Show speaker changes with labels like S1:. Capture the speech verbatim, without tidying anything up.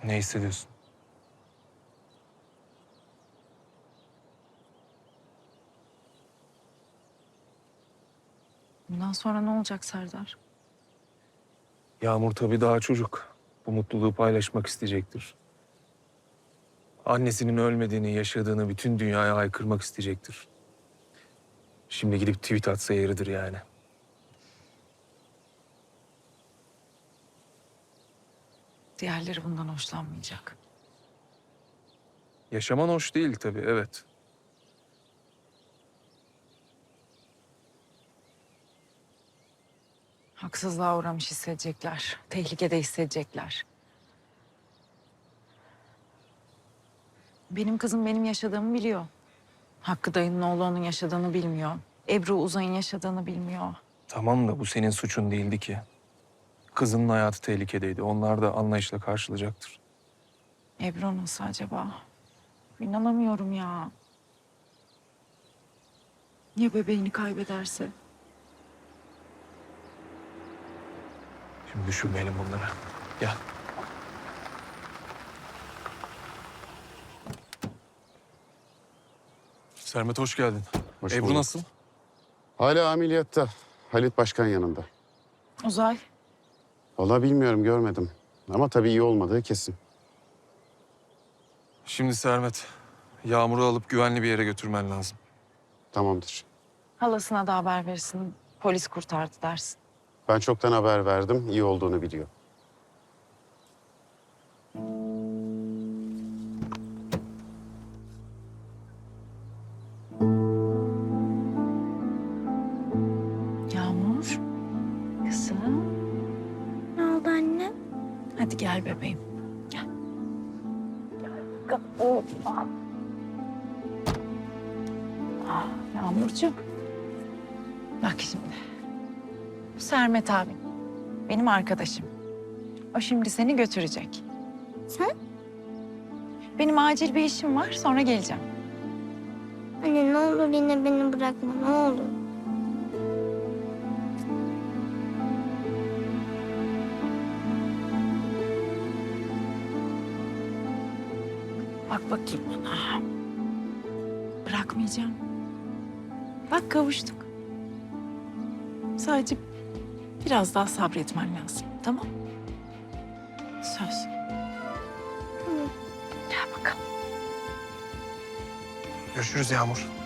S1: Ne hissediyorsun?
S2: Bundan sonra ne olacak Serdar?
S1: Yağmur tabii daha çocuk. Bu mutluluğu paylaşmak isteyecektir. Annesinin ölmediğini, yaşadığını bütün dünyaya haykırmak isteyecektir. Şimdi gidip tweet atsa yeridir yani.
S2: Diğerleri bundan hoşlanmayacak.
S1: Yaşaman hoş değil tabii, evet.
S2: Haksızlığa uğramış hissedecekler. Tehlikede hissedecekler. Benim kızım benim yaşadığımı biliyor. Hakkı dayının oğlu onun yaşadığını bilmiyor. Ebru Uzay'ın yaşadığını bilmiyor.
S1: Tamam da bu senin suçun değildi ki. Kızının hayatı tehlikedeydi. Onlar da anlayışla karşılayacaktır.
S2: Ebru nasıl acaba? İnanamıyorum ya. Ya bebeğini kaybederse?
S1: Şimdi düşünmeyelim bunları. Gel. Sermet hoş geldin.
S3: Hoş
S1: Ebru
S3: bulduk.
S1: nasıl?
S3: Hala ameliyatta. Halit Başkan yanında.
S2: Uzay.
S3: Vallahi bilmiyorum, görmedim. Ama tabii iyi olmadığı kesin.
S1: Şimdi Sermet, Yağmur'u alıp güvenli bir yere götürmen lazım.
S3: Tamamdır.
S2: Halasına da haber verirsin. Polis kurtardı dersin.
S3: Ben çoktan haber verdim. İyi olduğunu biliyor.
S2: Yağmur. Kızım.
S4: Ne oldu anne?
S2: Hadi gel bebeğim. Gel. Ah, Yağmurcuğum. Bak şimdi. Bu Sermet abin. Benim arkadaşım. O şimdi seni götürecek.
S4: Sen?
S2: Benim acil bir işim var. Sonra geleceğim.
S4: Anne ne olur yine beni bırakma ne olur.
S2: Bak bakayım bana. Bırakmayacağım. Bak kavuştuk. Sadece biraz daha sabretmen lazım. Tamam? Söz.
S4: Tamam.
S2: Gel bakalım.
S1: Görüşürüz Yağmur.